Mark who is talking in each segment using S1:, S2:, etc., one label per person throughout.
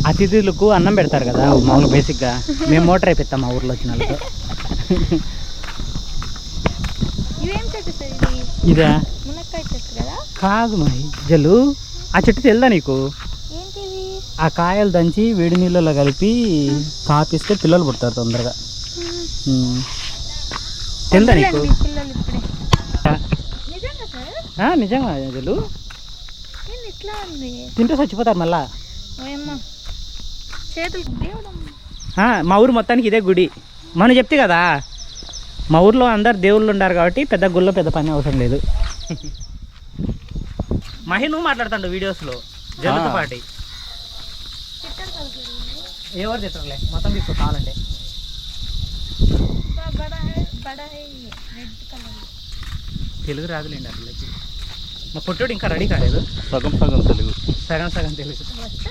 S1: అతిథులకు అన్నం పెడతారు కదా మామూలు బేసిక్గా. మేము మోటార్ అయిపోతాం మా ఊర్లో వచ్చిన వాళ్ళతో. ఇదా కాదు మహి జల్లు, ఆ చెట్టు తెలుదా నీకు? ఆ కాయలు దంచి వేడి నీళ్ళలో కలిపి కాపిస్తే పిల్లలు పుడతారు తొందరగా. తెలుదా నీకు? నిజంగా జల్లు, తింటే చచ్చిపోతారు మళ్ళా. మా ఊరు మొత్తానికి ఇదే గుడి. మనం చెప్తే కదా, మా ఊర్లో అందరు దేవుళ్ళు ఉన్నారు కాబట్టి పెద్ద గుళ్ళో పెద్ద పని అవసరం లేదు. మహి నువ్వు మాట్లాడుతాడు వీడియోస్లో జల్లుతో పాటి. ఎవరు తిట్టరులే, మొత్తం తీసుకో కావాలంటే. తెలుగు రాదులేండి అసలు. మా పొట్టోడు ఇంకా రెడీ కాలేదు.
S2: సగం సగం తెలుగు,
S1: సగం సగం తెలుగు.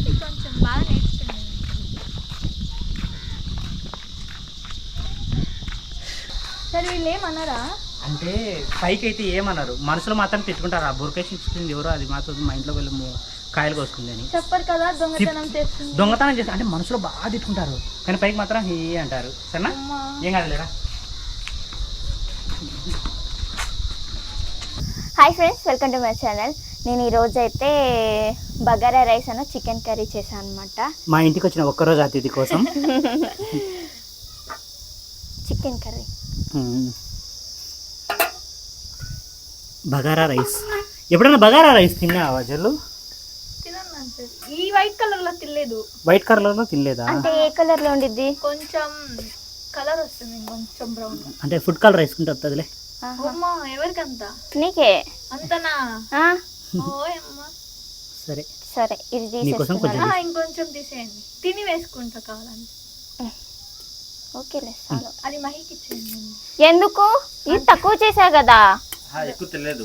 S1: అంటే పైకి అయితే ఏమన్నారు, మనసులో మాత్రం తిట్టుకుంటారు. ఆ బురకేసి ఇచ్చింది ఎవరో, అది మాత్రం మా ఇంట్లో వెళ్ళి కాయలు కోసుకుంది అని
S3: చెప్పరు కదా.
S1: దొంగతనం చేస్తారు అంటే మనసులో బాగా తిట్టుకుంటారు, కానీ పైకి మాత్రం హే అంటారు. సరేనా, ఏం కాదులేరా.
S3: Hi friends, welcome to my channel. నేను ఈరోజు అయితే బగారా రైస్ అన్న చికెన్ కర్రీ చేశాను అనమాట.
S1: మా ఇంటికి వచ్చిన ఒక్కరోజు అతిథి కోసం
S3: చికెన్ కర్రీ,
S1: బగారా రైస్. ఎప్పుడైనా బగారా రైస్ తిన్నావా జల్లు?
S3: ఈ వైట్ కలర్ లో తినలేదు.
S1: వైట్ కలర్ లో తినలేదా?
S3: అంటే ఏ కలర్ లో ఉండిద్ది? కొంచెం కలర్ వస్తుంది, కొంచెం బ్రౌన్.
S1: అంటే ఫుడ్ కలర్ వేసుకుంటే వస్తుందిలే.
S3: ఎవరికంత? నీకే అంతనా?
S1: సరే
S3: సరే, ఇది
S1: తీసేసుకుంటా.
S3: ఇంకొంచెం తీసేయండి, తిని వేసుకుంటా కావాలని. ఓకేలే చాలు. అది మహికి ఇచ్చేయండి. ఎందుకు? ఇది తక్కువ చేసా కదా.
S2: ఎక్కువ తెలియదు.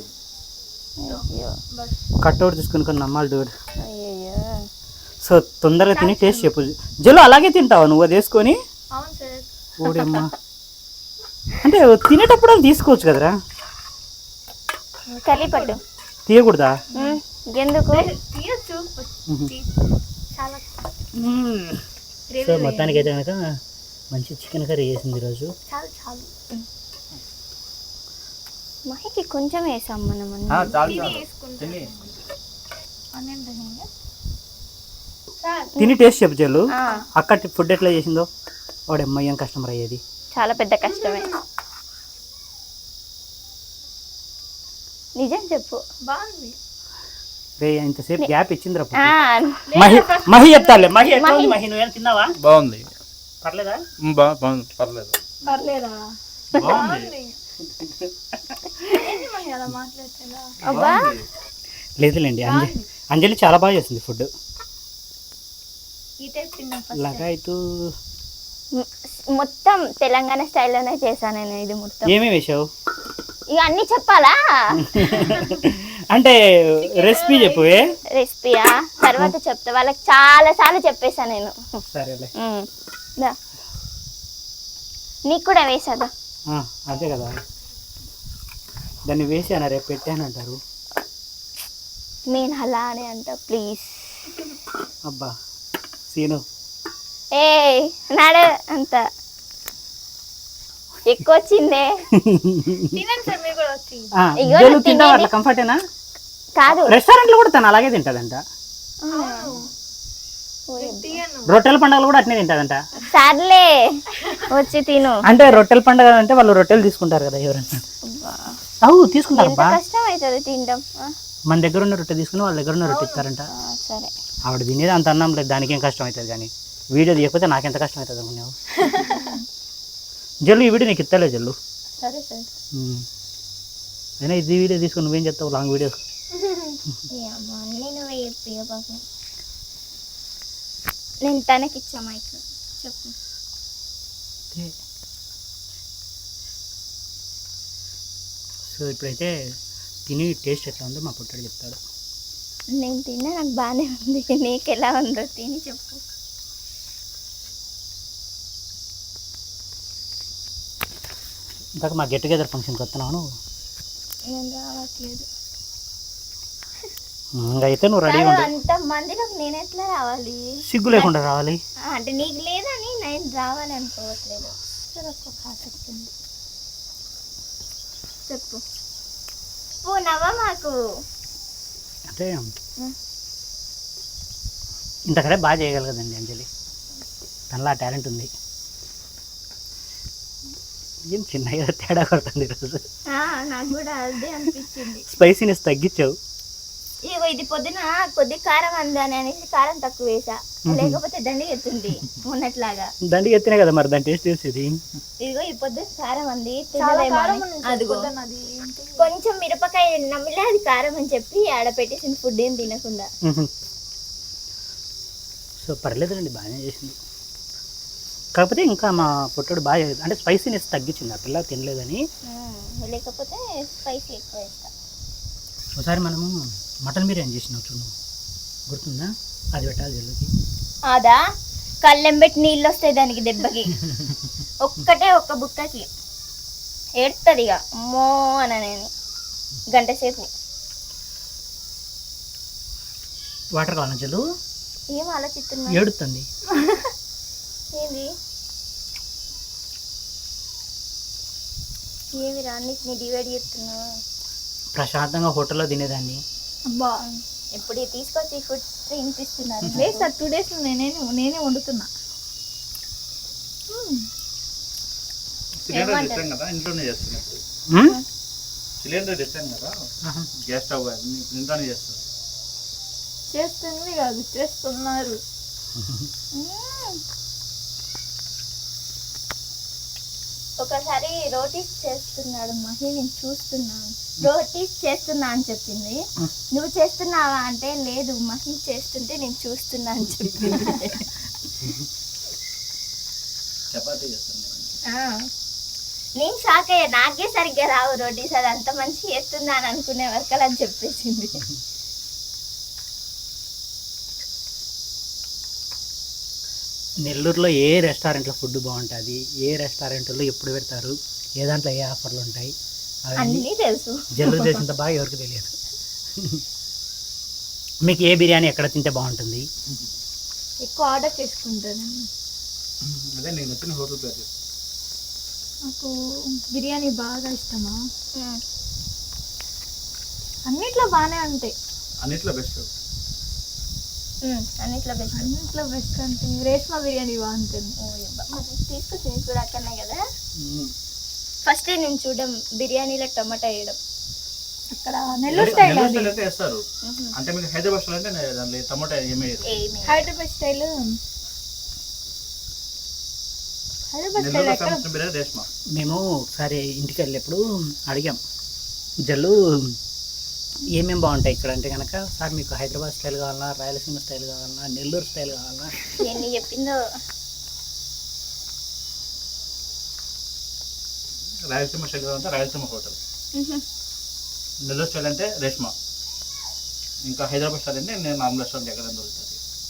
S1: కట్అవుట్ తీసుకుని కొన్ని నమ్మాలి డూడ్. సో తొందరగా తిని టేస్ట్ చెప్పు జల్లు. అలాగే తింటావా నువ్వు అది వేసుకొని? ఓడమ్మా, అంటే తినేటప్పుడు అది తీసుకోవచ్చు కదరా.
S3: కర్రీ పట్టు
S1: తీయకూడదా?
S3: ఎందుకు?
S1: సో మొత్తానికి అయితే కనుక మంచి చికెన్ కర్రీ చేసింది ఈరోజు.
S3: మహికి కొంచెం వేసాం మనం.
S1: తిని టేస్ట్ చెప్పు జల్లు. అక్క ఫుడ్ ఎట్లా చేసిందో. వాడమ్మ ఏం కస్టమర్ అయ్యేది.
S3: చాలా పెద్ద కష్టమే. నిజం చెప్పు. బాగుంది
S1: రే, ఇంతసేపు గ్యాప్ ఇచ్చిందిరా. మహి చెప్తాలే. మహి ఎట్లా ఉంది? మహి నువ్వేం తిన్నావా?
S2: బాగుంది.
S1: పర్లేదా?
S2: బాగుంది, పర్లేదు.
S3: పర్లేదా?
S1: లేదులేండి, అంజలి చాలా బాగా చేస్తుంది ఫుడ్. లగాయితూ
S3: మొత్తం తెలంగాణ స్టైల్లోనే చేశాను నేను. ఇది మొత్తం
S1: ఏమేమి వేసావు?
S3: ఇక అన్ని చెప్పాలా?
S1: అంటే రెసిపీ చెప్పు.
S3: రెసిపీయా తర్వాత చెప్తా, వాళ్ళకి చాలా సార్లు చెప్పేసా నేను.
S1: సరేలే,
S3: నీకు కూడా వేసాదా?
S1: అదే కదా, దాన్ని వేసాను రేపు పెట్టానంటారు.
S3: నేను అలా అని అంట. ప్లీజ్
S1: అబ్బా సీను,
S3: ఏ నాడు అంత ఎక్కువ వచ్చిందే.
S1: కంఫర్టేనా?
S3: కాదు,
S1: రెస్టారెంట్ లో కూడా తను అలాగే తింటదంట. రొట్టెల పండుగలు కూడా అట్నే తింటదంట.
S3: సర్లే వచ్చి తిను.
S1: అంటే రొట్టెల పండుగ అంటే వాళ్ళు రొట్టెలు తీసుకుంటారు కదా ఎవరన్నా. తీసుకుంటారు.
S3: కష్టం అవుతుంది తినడం.
S1: మన దగ్గర ఉన్న రొట్టె తీసుకుని వాళ్ళ దగ్గర ఉన్న రొట్టె ఇస్తారంట.
S3: సరే,
S1: ఆవిడ తినేది అంత అన్నం లేదు, దానికి ఏం కష్టం అవుతుంది. కానీ వీడియో తీయకపోతే నాకెంత కష్టం అవుతుంది అనుకున్నావు. జల్లు ఈ వీడియో నీకు ఇస్తలే జల్లు.
S3: సరే సరే,
S1: అయినా ఇది వీడియో తీసుకుని నువ్వేం చెప్తావు లాంగ్ వీడియోస్.
S3: నేను తనకి ఇచ్చా మైక్. చెప్పు.
S1: సో ఇప్పుడైతే తిని టేస్ట్ ఎట్లా ఉందో మా పుట్టాడు చెప్తాడు.
S3: నేను తిన్నా, నాకు బాగానే ఉంది. నీకు ఎలా ఉందో తిని చెప్పు.
S1: ఇందాక మా గెట్ టుగెదర్ ఫంక్షన్కి వస్తున్నావు నువ్వు?
S3: నేను రావట్లేదు.
S1: అయితే నువ్వు రెడీ ఉండు.
S3: అంత మందిలో నేను ఎట్లా రావాలి?
S1: సిగ్గు లేకుండా రావాలి.
S3: అంటే నీకు లేదని నేను రావాలి అనుకోవట్లేదు. ఒక్క ఆసక్తి ఉంది. చెప్పు నవ్వ మాకు.
S1: అంటే ఇంతకడే బాగా చేయగలగదండి అంజలి, తనలా టాలెంట్ ఉంది. ఏం చిన్నగా తేడా కొడుతుంది ఈరోజు.
S3: నాకు కూడా అదే అనిపించింది.
S1: స్పైసీనెస్ తగ్గించావు.
S3: ఇగో ఇది పొద్దున కొద్ది కారం అందని అనేసి కారం తక్కువ వేసా, లేకపోతే దండిగా ఎత్తుంది ఉన్నట్లాగా.
S1: దండిగా ఎత్తినా కదా మరి దాని టేస్ట్ తెలిసేది.
S3: ఇదిగో ఈ పొద్దున కారం అంది, అదిగో కొంచెం మిరపకాయ నమ్మిలే అది కారం అని చెప్పి ఆడ పెట్టేసిన ఫుడ్ ఏం తినకుండా.
S1: సో పర్లేదండి, బాగానే చేసింది. కాకపోతే ఇంకా మా పొట్టుడు బాగా అంటే స్పైసీనెస్ తగ్గించింది. ఆ పిల్ల తినలేదని,
S3: లేకపోతే స్పైసీ ఎక్కువ వేస్తా.
S1: ఒకసారి మనము మటన్ బిర్యానీ చేసినావు చూడు, గుర్తుందా? అది పెట్టాలి జల్లుకి.
S3: అదా కళ్ళెం పెట్టి నీళ్ళు వస్తాయి దానికి దెబ్బకి. ఒక్క బుక్కకి ఏడుతుంది ఇక అమ్మో అని గంట సేపు.
S1: వాటర్ కావాలా జల్లు?
S3: ఏం ఆలోచిస్తున్నా?
S1: ఏడుతుంది.
S3: ఏంది ఏమి రాన్నిటిని డివైడ్ చేస్తున్నా?
S1: ప్రశాంతంగా హోటల్లో తినేదాన్ని.
S3: అబ్బా ఎప్పుడు తీసుకొచ్చి ఫుడ్ తినిపిస్తున్నారు.
S4: లేదు సార్, 2 days నేనే వండుతున్నా.
S2: సిలిండర్ తెచ్చాం కదా, ఇంట్లోనే చేస్తాను ఇప్పుడు. సిలిండర్ తెచ్చాం కదా, గ్యాస్ స్టవ్ ఇంట్లోనే చేస్తాను.
S4: చేస్తుంది కాదు, చేస్తున్నారు.
S3: ఒకసారి రోటీస్ చేస్తున్నాడు మహి, నేను చూస్తున్నాను. రోటీస్ చేస్తున్నా అని చెప్పింది. నువ్వు చేస్తున్నావా అంటే లేదు మహి చేస్తుంటే నేను చూస్తున్నా అని చెప్పింది.
S2: చపాతీ చేస్తాను.
S3: నేను షాక్ అయ్యా, నాకే సరిగ్గా రావు రోటీస్, అది అంత మంచి చేస్తుందా అని అనుకునే వరకు అలా చెప్పేసింది.
S1: నెల్లూరులో ఏ రెస్టారెంట్లో ఫుడ్ బాగుంటుంది, ఏ రెస్టారెంట్లో ఎప్పుడు పెడతారు, ఏ దాంట్లో ఏ ఆఫర్లు ఉంటాయి
S3: అన్నీ తెలుసు.
S1: జల్లు చేసినంత బాగా ఎవరికి తెలియదు. మీకు ఏ బిర్యానీ ఎక్కడ తింటే బాగుంటుంది?
S4: ఎక్కువ ఆర్డర్ చేసుకుంటాను.
S2: అదే నేను వచ్చిన హోటల్ పేరు.
S4: నాకు బిర్యానీ బాగా ఇష్టమా? అన్నిట్లో బాగానే ఉంటాయి.
S2: అన్నిట్లో బెస్ట్.
S3: అన్నిట్లో బెస్ట్.
S4: అన్నిట్లో బెస్ట్ అంటే రేష్మా బిర్యానీ బాగుంటుంది.
S3: తీసుకొచ్చి కూడా అక్కడనే కదా. ఫస్ట్ నేను చూడడం బిర్యానీలో టమాటా వేయడం.
S4: అక్కడ నెల్లూరు స్టైల్ అది.
S2: అయితే వేస్తారు. అంటే మీకు హైదరాబాద్ స్టైల్ అంటే దాంట్లో టమాటా ఏమీ వేయరు.
S4: హైదరాబాద్ స్టైల్ ఎక్కడ?
S2: బిర్యానీ రేష్మా.
S1: మేము ఒకసారి ఇంటికి వెళ్ళేప్పుడు అడిగాం జల్లు ఏమేమి బాగుంటాయి ఇక్కడ అంటే కనుక, సార్ మీకు హైదరాబాద్ స్టైల్ కావాలన్నా, రాయలసీమ స్టైల్ కావాలన్నా, నెల్లూరు స్టైల్ కావాలన్నా,
S3: ఎన్ని చెప్పిందో.
S2: రాయలసీమ స్టైల్ అంటే రాయలసీమ హోటల్, నెల్లూరు స్టైల్ అంటే రేష్మా, ఇంకా హైదరాబాద్ స్టైల్ అంటే నేను నార్మల్ రెస్టారెంట్ ఎక్కడ దొరుకుతుంది.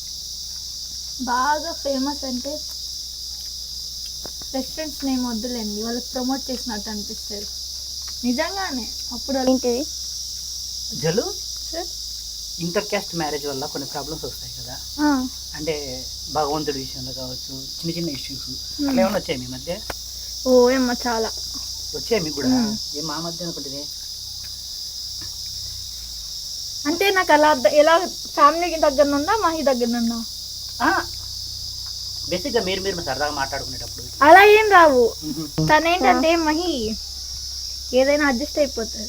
S4: బాగా ఫేమస్ అంటే రెస్టారెంట్స్ నేమ్ వద్దులేండి, వాళ్ళకి ప్రమోట్ చేసినట్టు అనిపిస్తుంది నిజంగానే. అప్పుడు
S3: ఏంటిది
S1: జల్లు ఇంటర్ క్యాస్ట్ మ్యారేజ్ వల్ల కొన్ని ప్రాబ్లమ్స్ వస్తాయి కదా, అంటే భగవంతుడి విషయంలో కావచ్చు, చిన్న చిన్న ఇష్యూస్ అట్లా ఏమైనా వచ్చాయి మీ మధ్య?
S4: ఓ ఏమ్మా చాలా
S1: వచ్చాయి మీకు కూడా? ఏం మా మధ్య అనుకుంటుంది
S4: అంటే నాకు అలా ఎలా ఫ్యామిలీకి దగ్గర నుండా మహి దగ్గర నుండా
S1: బేసిక్గా మీరు సరదాగా మాట్లాడుకునేటప్పుడు
S4: అలా ఏం రావు. తనేంటంటే మహి ఏదైనా అడ్జస్ట్ అయిపోతుంది.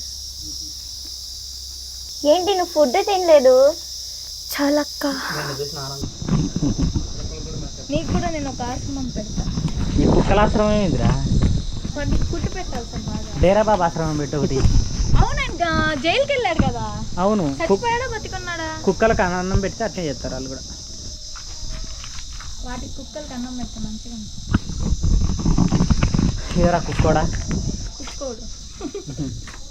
S3: ఏంటి నువ్వు ఫుడ్ తినలేదు?
S4: చాలక్క,
S1: నేను చూసిన ఆనందం.
S4: నీకు కూడా నేను ఒక ఆశ్రమం పెడతా.
S1: ఈ కుక్కల ఆశ్రమం ఏందిరా?
S4: వాడికి ఫుడ్ పెట్టాలి సార్ బాగా.
S1: డేరా బాబా ఆశ్రమం పెట్టు ఒకటి.
S4: అవునంట, జైలుకి వెళ్ళాడు కదా.
S1: అవును,
S4: చచ్చిపోయాడా బతికున్నాడా?
S1: కుక్కలకు అన్నం పెడితే అట్లే చేస్తారు వాళ్ళు కూడా.
S4: వాటికి కుక్కలకి అన్నం పెడతా మంచిగా.
S1: ఎవరా కుక్కోడా?
S4: కుక్కోడు